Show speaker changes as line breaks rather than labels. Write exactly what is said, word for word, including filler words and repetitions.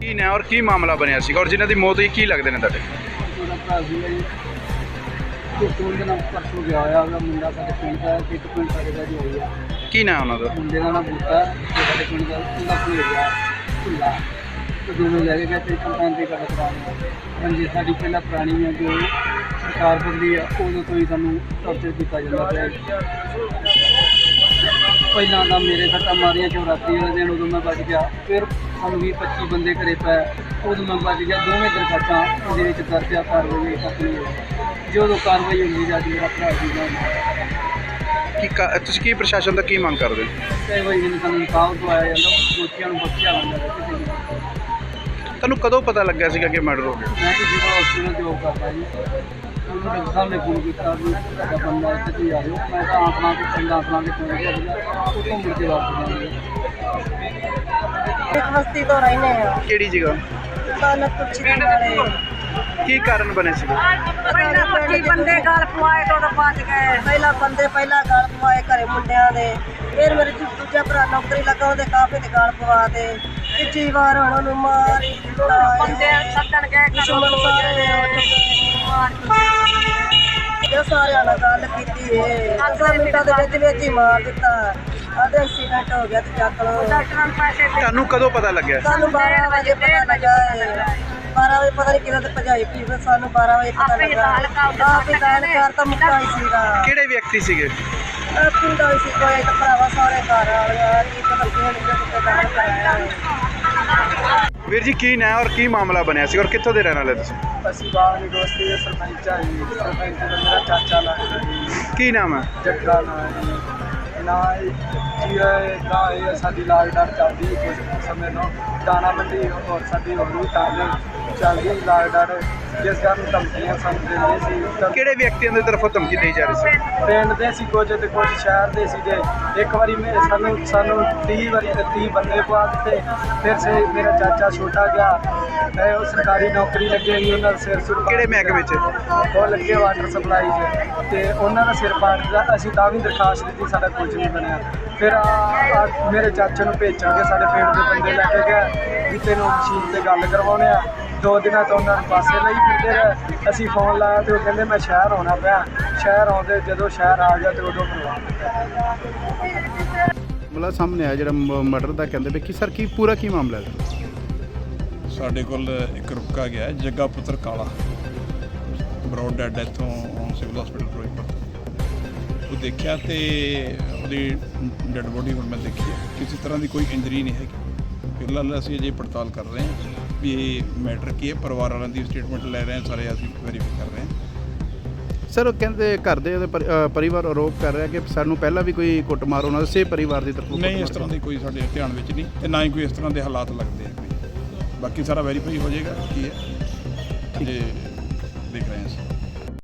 ਕੀ ਨੇ ਔਰ ਕੀ ਮਾਮਲਾ ਬਣਿਆ ਸੀਗਾ ਔਰ ਜਿਨ੍ਹਾਂ ਦੀ ਮੌਤ ਹੋਈ ਕੀ ਲੱਗਦੇ ਨੇ ਤੁਹਾਡੇ?
ਉਹਦਾ ਭਰਾ ਸੀਗਾ ਜੀ, ਝੋਟੂ ਦੇ ਨਾਲ ਪਰਸੋਂ ਗਿਆ ਹੋਇਆ ਉਹਦਾ ਮੁੰਡਾ ਸਾਡੇ ਪਿੰਡ ਦਾ, ਇੱਕ ਪਿੰਡ ਸਾਡੇ ਦਾ ਜੀ ਹੋਈ ਆ।
ਕੀ ਨਾਂ ਉਹਨਾਂ ਦਾ?
ਮੁੰਡੇ ਦਾ ਨਾਮ ਬੂਟਾ ਤੇ ਸਾਡੇ ਪਿੰਡ ਦਾ ਉਹਦਾ ਭੁੱਲ ਗਿਆ ਭੁੱਲਾ ਤੇ ਦੋਵੇਂ ਲੈ ਕੇ ਗਏ ਤੇ ਕੰਪਾਊਂਡ ਦੀ ਗੱਲ ਕਰਾਉਣੀ। ਹਾਂਜੀ, ਸਾਡੀ ਪਹਿਲਾਂ ਪੁਰਾਣੀ ਹੈ ਜੋ ਸਰਕਾਰ ਬਦਲੀ ਆ ਉਦੋਂ ਤੋਂ ਹੀ ਸਾਨੂੰ ਟੌਰਚਰ ਕੀਤਾ ਜਾਂਦਾ ਪਿਆ। ਪਹਿਲਾਂ ਤਾਂ ਮੇਰੇ ਸੱਟਾਂ ਮਾਰੀਆਂ ਸ਼ਿਵਰਾਤਰੀ ਵਾਲੇ ਦਿਨ, ਉਦੋਂ ਮੈਂ ਬਚ ਗਿਆ। ਫਿਰ ਸਾਨੂੰ ਵੀਹ ਪੱਚੀ ਬੰਦੇ ਘਰੇ ਪਏ, ਉਦੋਂ ਮੈਂ ਬਚ ਗਿਆ। ਦੋਵੇਂ ਦਰਖਾਸਤਾਂ ਇਹਦੇ ਵਿੱਚ ਦਰਜ ਆ, ਕਾਰਵਾਈ ਤੱਕ ਨਹੀਂ ਹੋਈ। ਜਦੋਂ ਕਾਰਵਾਈ ਹੁੰਦੀ ਜਾ ਮੇਰਾ ਭਰਾ ਸੀਗਾ
ਕੀ ਕਾ- ਤੁਸੀਂ ਕੀ ਪ੍ਰਸ਼ਾਸਨ ਦਾ ਕੀ ਮੰਗ ਕਰਦੇ ਹੋ?
ਕਈ ਵਾਰੀ ਮੈਨੂੰ ਸਾਨੂੰ ਇਨਸਾਫ ਦਵਾਇਆ ਜਾਂਦਾ, ਦੋਸ਼ੀਆਂ ਨੂੰ ਬਖਸ਼ਿਆ ਜਾਂਦਾ ਕਿਸੇ ਨੂੰ।
ਤੁਹਾਨੂੰ ਕਦੋਂ ਪਤਾ ਲੱਗਿਆ ਸੀਗਾ ਕਿ ਮਰਡਰ ਹੋ ਗਿਆ?
ਮੈਂ ਕਿ ਜਿਵੇਂ ਹਸਪੀਟਲ ਜੋਬ ਕਰਦਾ ਜੀ, ਉਹਨੂੰ ਡਾਕਟਰ ਸਾਹਿਬ ਨੇ ਫੋਨ ਕੀਤਾ ਵੀ ਤੁਹਾਡਾ ਬੰਦਾ ਇੱਥੇ ਤੁਸੀਂ ਆ ਜਾਓ। ਮੈਂ ਤਾਂ ਆਪਣਾ ਤੇ ਚੰਗਾ ਆਪਣਾ ਤੇ ਕੋਲ ਗਿਆ ਸੀਗਾ, ਉੱਥੋਂ ਮੁੜ ਕੇ ਵਾਪਸ ਜਾਂਦੇ।
ਇੱਕ ਬਸਤੀ ਤੋਂ ਰਹਿੰਦੇ ਆ,
ਕਿਹੜੀ ਜਗ੍ਹਾ?
ਕਾਲਾ ਕੁਰਸੀ ਦੇ ਨਾਲੇ।
ਕੀ ਕਾਰਨ ਬਣੇ ਸੀਗੇ?
ਪਹਿਲਾਂ ਪੱਚੀ ਬੰਦੇ ਗਲ ਪਵਾਏ ਤੋਂ ਬਚ ਗਏ। ਪਹਿਲਾਂ ਬੰਦੇ ਪਹਿਲਾਂ ਗਲ ਪਵਾਏ ਘਰੇ ਮੁੰਡਿਆਂ ਦੇ, ਫਿਰ ਮੇਰੇ ਦੂ- ਦੂਜਾ ਭਰਾ ਨੌਕਰੀ ਲੱਗਾ, ਉਹਦੇ ਕਾਫੇ ਤੇ ਗਲ ਪਵਾ ਦੇ। ਤੀਜੀ ਵਾਰ ਹੁਣ ਉਹਨੂੰ ਮਾਰ ਹੀ ਦਿੱਤਾ। ਬੰਦੇ ਸੱਦਣ ਗਏ ਦੁਸ਼ਮਣ ਸਾਰੇ ਇਹ ਸਾਰਿਆਂ ਨਾਲ ਗੱਲ ਕੀਤੀ ਏ, ਦਸਾਂ ਮਿੰਟਾਂ ਦੇ ਵਿੱਚ ਵਿੱਚ ਹੀ ਮਾਰ ਦਿੱਤਾ। ਆਦੇ ਐਕਸੀਡੈਂਟ ਹੋ ਗਿਆ ਤੇ ਚੱਕ ਲਓ। ਡਾਕਟਰਾਂ ਨੂੰ ਪੈਸੇ
ਤੁਹਾਨੂੰ ਕਦੋਂ ਪਤਾ ਲੱਗਿਆ?
ਸਾਨੂੰ ਬਾਰਾਂ ਵਜੇ ਪਤਾ ਲੱਗਾ ਏ। ਬਾਰਾਂ ਵਜੇ ਪਤਾ ਨਹੀਂ ਕਿਹਨਾਂ ਤੇ ਭਜਾਈ ਪਈ, ਫਿਰ ਸਾਨੂੰ ਬਾਰਾਂ ਵਜੇ ਪਤਾ ਲੱਗਾ। ਆਪ ਹੀ ਦਾਨ ਕਰ ਤਾਂ ਮੁੱਕਾ ਹੀ ਸੀਗਾ।
ਕਿਹੜੇ ਵਿਅਕਤੀ ਸੀਗੇ?
ਇਹ ਪਿੰਡੋਂ ਹੀ ਸੀ ਕੋਈ ਤਾਂ ਭਰਾਵਾ ਸਾਰੇ ਘਰ ਵਾਲਿਆ ਕੀ ਪਤਾ ਕਿਹੜੇ ਕਿਹੜੇ ਦਾਨ ਕਰਾਇਆ।
ਵੀਰ ਜੀ ਕੀ ਨਾਂ ਔਰ ਕੀ ਮਾਮਲਾ ਬਣਿਆ ਸੀ ਔਰ ਕਿੱਥੋਂ ਦੇ ਰਹਿਣ ਵਾਲੇ ਤੁਸੀਂ?
ਅਸੀਂ ਬਾਹਰ ਦੀ ਦੋਸਤੀ ਦੇ ਸਰਪੰਚ ਆ ਜੀ, ਸਰਪੰਚ ਦਾ ਮੇਰਾ ਚਾਚਾ ਲੱਗਦਾ ਜੀ,
ਕੀ ਨਾਮ ਹੈ?
ਜੱਗਾ ਨਾਂ ਹੈ ਜੀ। ਨਾ ਜੀ ਇਹ ਨਾ ਇਹ ਸਾਡੀ ਲਾਗਡਾਰ ਚੱਲਦੀ ਕੁਝ ਸਮੇਂ ਤੋਂ ਦਾਣਾ ਮੰਡੀ ਹੋਰ ਸਾਡੀ ਹੋਰ ਵੀ ਤਾਂ ਚੱਲਦੀ ਲਾਗਡਾਰ, ਜਿਸ ਕਾਰਨ ਧਮਕੀਆਂ ਸਾਨੂੰ ਦਿੰਦੇ ਸੀ। ਤਾਂ
ਕਿਹੜੇ ਵਿਅਕਤੀਆਂ ਦੀ ਤਰਫੋਂ ਧਮਕੀ ਦੇਈ ਜਾ ਰਹੀ ਸੀ?
ਪਿੰਡ ਦੇ ਸੀ ਕੁਝ ਤੇ ਕੁਝ ਸ਼ਹਿਰ ਦੇ ਸੀਗੇ। ਇੱਕ ਵਾਰੀ ਮੇਰੇ ਸਾਨੂੰ ਸਾਨੂੰ ਤੀਹ ਵਾਰੀ ਤੇ ਤੀਹ ਬੰਦੇ ਪਵਾ ਦਿੱਤੇ। ਫਿਰ ਸੇ ਮੇਰਾ ਚਾਚਾ ਛੋਟਾ ਗਿਆ, ਤੇ ਉਹ ਸਰਕਾਰੀ ਨੌਕਰੀ ਲੱਗੇ ਸੀ, ਉਹਨਾਂ ਦਾ ਸਿਰ ਸੁਰ
ਕਿਹੜੇ ਮਹਿਕਮੇ 'ਚ?
ਉਹ ਲੱਗੇ ਵਾਟਰ ਸਪਲਾਈ 'ਚ, ਤੇ ਉਹਨਾਂ ਦਾ ਸਿਰ ਪਾੜ ਦਿੱਤਾ। ਅਸੀਂ ਤਾਂ ਵੀ ਦਰਖਾਸਤ ਦਿੱਤੀ, ਸਾਡਾ ਕੁਝ ਨਹੀਂ ਬਣਿਆ। ਫਿਰ ਆ ਮੇਰੇ ਚਾਚੇ ਨੂੰ ਭੇਜਾਂਗੇ, ਸਾਡੇ ਪਿੰਡ ਦੇ ਬੰਦੇ ਲੈ ਕੇ ਗਏ ਵੀ ਤੈਨੂੰ ਮਸ਼ੀਨ 'ਤੇ ਗੱਲ ਕਰਵਾਉਣੇ ਆ। ਦੋ ਦਿਨਾਂ ਤੋਂ ਉਹਨਾਂ ਨੂੰ ਪਾਸੇ ਲਈ ਫਿਰਦੇ ਰਹੇ। ਅਸੀਂ ਫੋਨ ਲਾਇਆ ਤੇ ਉਹ ਕਹਿੰਦੇ ਮੈਂ ਸ਼ਹਿਰ ਆਉਣਾ ਪਿਆ। ਸ਼ਹਿਰ ਆਉਂਦੇ ਜਦੋਂ ਸ਼ਹਿਰ ਆ ਗਿਆ ਤੇ ਉਦੋਂ ਕਰਵਾ ਦਿੱਤਾ।
ਮਾਮਲਾ ਸਾਹਮਣੇ ਆਇਆ ਜਿਹੜਾ ਮਰਡਰ ਦਾ, ਕਹਿੰਦੇ ਵੀ ਕਿ ਸਰ ਕੀ ਪੂਰਾ ਕੀ ਮਾਮਲਾ ਹੈ?
ਸਾਡੇ ਕੋਲ ਇੱਕ ਰੁਕਾ ਗਿਆ ਹੈ, ਜੱਗਾ ਪੁੱਤਰ ਕਾਲਾ, ਬਰੋਡ ਡੈਡ ਇੱਥੋਂ ਸਿਵਲ ਹਸਪੀਟਲ ਫਿਰੋਜ਼ਪੁਰ। ਉਹ ਦੇਖਿਆ ਤੇ ਉਹਦੀ ਡੈਡ ਬੋਡੀ ਹੁਣ ਮੈਂ ਦੇਖੀ ਹੈ, ਕਿਸੇ ਤਰ੍ਹਾਂ ਦੀ ਕੋਈ ਇੰਜਰੀ ਨਹੀਂ ਹੈਗੀ। ਫਿਲਹਾਲ ਅਸੀਂ ਅਜੇ ਪੜਤਾਲ ਕਰ ਰਹੇ ਹਾਂ ਵੀ ਇਹ ਮੈਟਰ ਕੀ ਹੈ। ਪਰਿਵਾਰ ਵਾਲਿਆਂ ਦੀ ਸਟੇਟਮੈਂਟ ਲੈ ਰਹੇ ਹਾਂ, ਸਾਰੇ ਅਸੀਂ ਵੈਰੀਫਾਈ ਕਰ ਰਹੇ ਹਾਂ।
ਸਰ ਉਹ ਕਹਿੰਦੇ ਘਰ ਦੇ ਉਹਦੇ ਪਰਿ- ਅ, ਪਰਿਵਾਰ ਆਰੋਪ ਕਰ ਰਿਹਾ ਕਿ ਸਾਨੂੰ ਪਹਿਲਾਂ ਵੀ ਕੋਈ ਕੁੱਟਮਾਰ ਉਹਨਾਂ ਦੇ ਸੇ ਪਰਿਵਾਰ ਦੀ ਤਰਫੋਂ
ਨਹੀਂ, ਇਸ ਤਰ੍ਹਾਂ ਦੀ ਕੋਈ ਸਾਡੇ ਧਿਆਨ ਵਿੱਚ ਨਹੀਂ, ਤੇ ਨਾ ਹੀ ਕੋਈ ਇਸ ਤਰ੍ਹਾਂ ਦੇ ਹਾਲਾਤ ਲੱਗਦੇ ਆ ਕੋਈ। ਬਾਕੀ ਸਾਰਾ ਵੈਰੀਫਾਈ ਹੋ ਜਾਏਗਾ ਕੀ ਹੈ, ਅਜੇ ਦੇਖ ਰਹੇ ਹਾਂ ਅਸੀਂ।